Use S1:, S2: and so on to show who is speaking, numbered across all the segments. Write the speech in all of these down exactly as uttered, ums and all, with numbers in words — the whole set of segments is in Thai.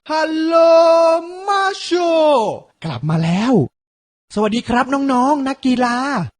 S1: ฮัลโหลมาโชกลับมาแล้ว สวัสดีครับน้องๆ นักกีฬา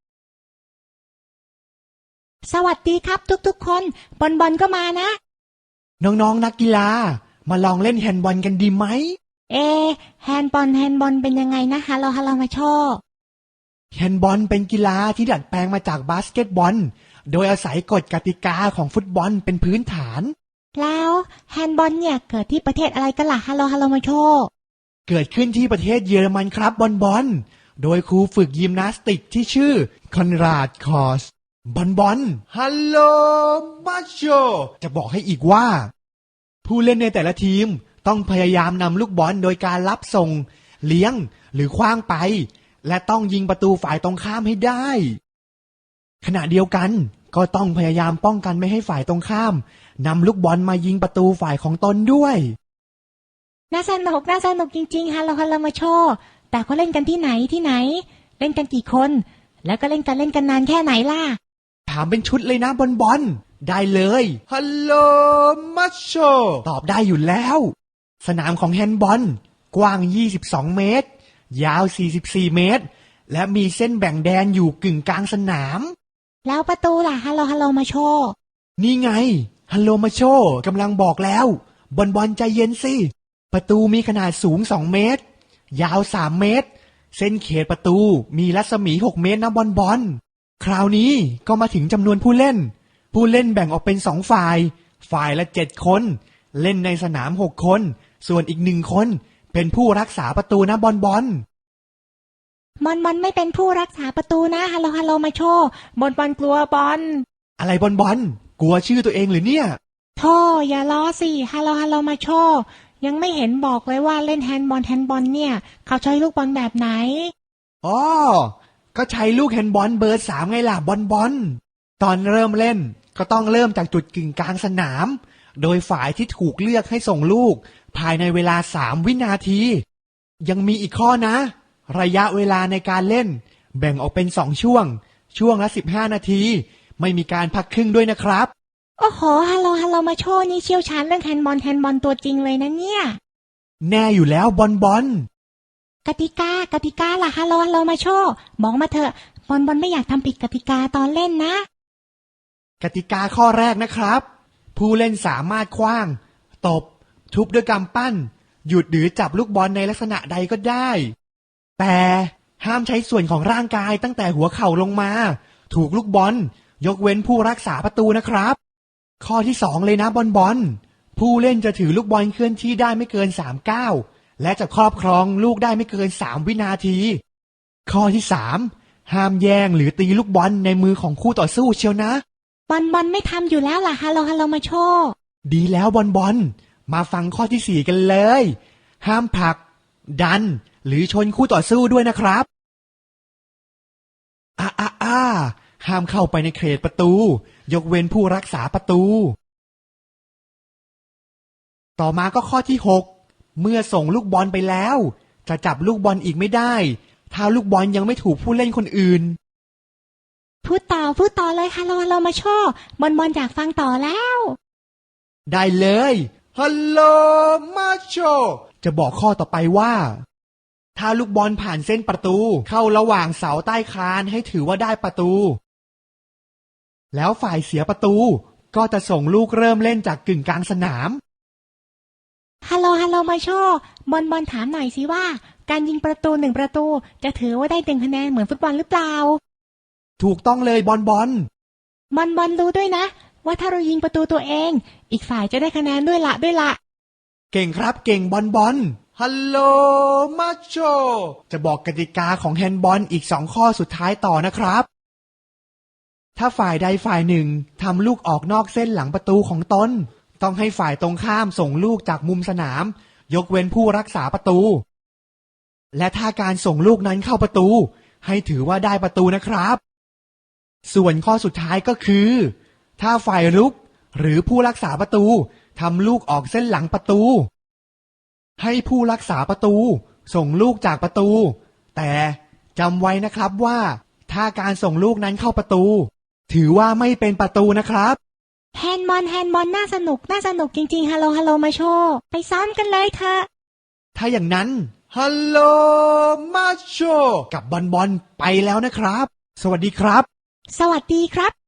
S2: สวัสดีครับทุกๆคนบอลบอลก็มานะ
S1: น้องๆ นักกีฬามาลองเล่นแฮนด์บอลกันดีไหม
S2: เอแฮนด์บอลแฮนด์บอลเป็นยังไงนะฮัลโหลฮัลโหลมาโช
S1: แฮนด์บอลเป็นกีฬาที่ดัดแปลงมาจากบาสเกตบอลโดยอาศัยกฎกติกาของฟุตบอลเป็นพื้นฐาน
S2: แล้วแฮนด์บอลเนี่ยเกิดที่ประเทศอะไรกันล่ะฮัลโหลฮัลโหลมาโช
S1: เกิดขึ้นที่ประเทศเยอรมันครับบอลบอลโดยครูฝึกยิมนาสติกที่ชื่อคอนราดคอสบอลบอลฮัลโหลมาโชจะบอกให้อีกว่าผู้เล่นในแต่ละทีมต้องพยายามนำลูกบอลโดยการรับส่งเลี้ยงหรือขว้างไปและต้องยิงประตูฝ่ายตรงข้ามให้ได้ขณะเดียวกันก็ต้องพยายามป้องกันไม่ให้ฝ่ายตรงข้ามนำลูกบอลมายิงประตูฝ่ายของตนด้วย
S2: น่าสนุกน่าสนุกจริงๆฮัลโหลฮัลโหลมาโชแต่เขาเล่นกันที่ไหนที่ไหนเล่นกันกี่คนแล้วก็เล่นกันเล่นกันนานแค่ไหนล่ะ
S1: ถามเป็นชุดเลยนะบอลบอลได้เลยฮัลโหลมาโชตอบได้อยู่แล้วสนามของแฮนด์บอลกว้างยี่สิบสองเมตรยาวสี่สิบสี่เมตรและมีเส้นแบ่งแดนอยู่กึ่งกลางสนาม
S2: แล้วประตูล่ะฮัลโหลฮัลโหลมาโช
S1: นี่ไงฮัลโหลมาโชกำลังบอกแล้วบอลบอลใจเย็นสิประตูมีขนาดสูงสองเมตรยาวสามเมตรเส้นเขตประตูมีรัศมีหกเมตรนะบอลบอลคราวนี้ก็มาถึงจำนวนผู้เล่นผู้เล่นแบ่งออกเป็นสองฝ่ายฝ่ายละเจ็ดคนเล่นในสนามหกคนส่วนอีกหนึ่งคนเป็นผู้รักษาประตูนะบอลบอล
S2: บอลบอลไม่เป็นผู้รักษาประตูนะฮัลโหลฮัลโหลมาโชบอลบอลกลัวบอล
S1: อะไรบอลบอลกลัวชื่อตัวเองหรือเนี่ย
S2: โธ่อย่าล้อสิฮัลโหลฮัลโหลมาโชยังไม่เห็นบอกเลยว่าเล่นแฮนด์บอลแฮนด์บอลเนี่ยเขาใช้ลูกบอลแบบไหน
S1: อ๋อก็ใช้ลูกแฮนด์บอลเบอร์สามไงล่ะบอลบอลตอนเริ่มเล่นก็ต้องเริ่มจากจุดกึ่งกลางสนามโดยฝ่ายที่ถูกเลือกให้ส่งลูกภายในเวลาสามวินาทียังมีอีกข้อนะระยะเวลาในการเล่นแบ่งออกเป็นสองช่วงช่วงละสิบห้านาทีไม่มีการพักครึ่งด้วยนะครับ
S2: โอ้โหฮัลโหลฮัลโหลมาโชนี่เชี่ยวชาญเรื่องแฮนด์บอลแฮนด์บอลตัวจริงเลยนะเนี่ย
S1: แน่อยู่แล้วบอลบอล
S2: กติกากติกาล่ะฮัลโหลฮัลโหลมาโชบอกมาเถอะบอลบอลไม่อยากทำผิดกติกาตอนเล่นนะ
S1: กติกาข้อแรกนะครับผู้เล่นสามารถขว้างตบทุบด้วยกำปั้นหยุดหรือจับลูกบอลในลักษณะใดก็ได้แต่ห้ามใช้ส่วนของร่างกายตั้งแต่หัวเข่าลงมาถูกลูกบอลยกเว้นผู้รักษาประตูนะครับข้อที่สองเลยนะบอลบอลผู้เล่นจะถือลูกบอลเคลื่อนที่ได้ไม่เกินสามก้าวและจะครอบครองลูกได้ไม่เกินสามวินาทีข้อที่สามห้ามแย่งหรือตีลูกบอลในมือของคู่ต่อสู้เชียวนะ
S2: บอลบอลไม่ทำอยู่แล้วล่ะฮัลโหลฮัลโหลมาโช
S1: ดีแล้วบอลบอลมาฟังข้อที่สี่กันเลยห้ามผลักดันหรือชนคู่ต่อสู้ด้วยนะครับอ่าอ่าอ่าห้ามเข้าไปในเขตประตูยกเว้นผู้รักษาประตูต่อมาก็ข้อที่หกเมื่อส่งลูกบอลไปแล้วจะจับลูกบอลอีกไม่ได้ถ้าลูกบอลยังไม่ถูกผู้เล่นคนอื่น
S2: พูดต่อพูดต่อเลยฮัลโหลฮัลโหลมาโชบอลบอลอยากฟังต่อแล้ว
S1: ได้เลยฮัลโหลมาโชจะบอกข้อต่อไปว่าถ้าลูกบอลผ่านเส้นประตูเข้าระหว่างเสาใต้คานให้ถือว่าได้ประตูแล้วฝ่ายเสียประตูก็จะส่งลูกเริ่มเล่นจากกึ่งกลางสนาม
S2: ฮัลโหลฮัลโหลมาโชบอลบอลถามหน่อยสิว่าการยิงประตูหนึ่งประตูจะถือว่าได้หนึ่งคะแนนเหมือนฟุตบอลหรือเปล่า
S1: ถูกต้องเลยบอลบอล
S2: บอลบอลรู้ด้วยนะว่าถ้าเรายิงประตูตัวเองอีกฝ่ายจะได้คะแนนด้วยละด้วยละ
S1: เก่งครับเก่งบอลบอลฮัลโหลมาโชจะบอกกติกาของแฮนด์บอลอีกสองข้อสุดท้ายต่อนะครับถ้าฝ่ายใดฝ่ายหนึ่งทำลูกออกนอกเส้นหลังประตูของตนต้องให้ฝ่ายตรงข้ามส่งลูกจากมุมสนามยกเว้นผู้รักษาประตูและถ้าการส่งลูกนั้นเข้าประตูให้ถือว่าได้ประตูนะครับส่วนข้อสุดท้ายก็คือถ้าฝ่ายรุกหรือผู้รักษาประตูทำลูกออกเส้นหลังประตูให้ผู้รักษาประตูส่งลูกจากประตูแต่จำไว้นะครับว่าถ้าการส่งลูกนั้นเข้าประตูถือว่าไม่เป็นประตูนะครับ
S2: แฮนด์บอลแฮนด์บอลน่าสนุกน่าสนุกจริงๆฮัลโหลฮัลโหลมาโชไปซ้อมกันเลยเถอะ
S1: ถ้าอย่างนั้นฮัลโหลมาโชกับบอลบอลไปแล้วนะครับสวัสดีครับ
S2: สวัสดีครับ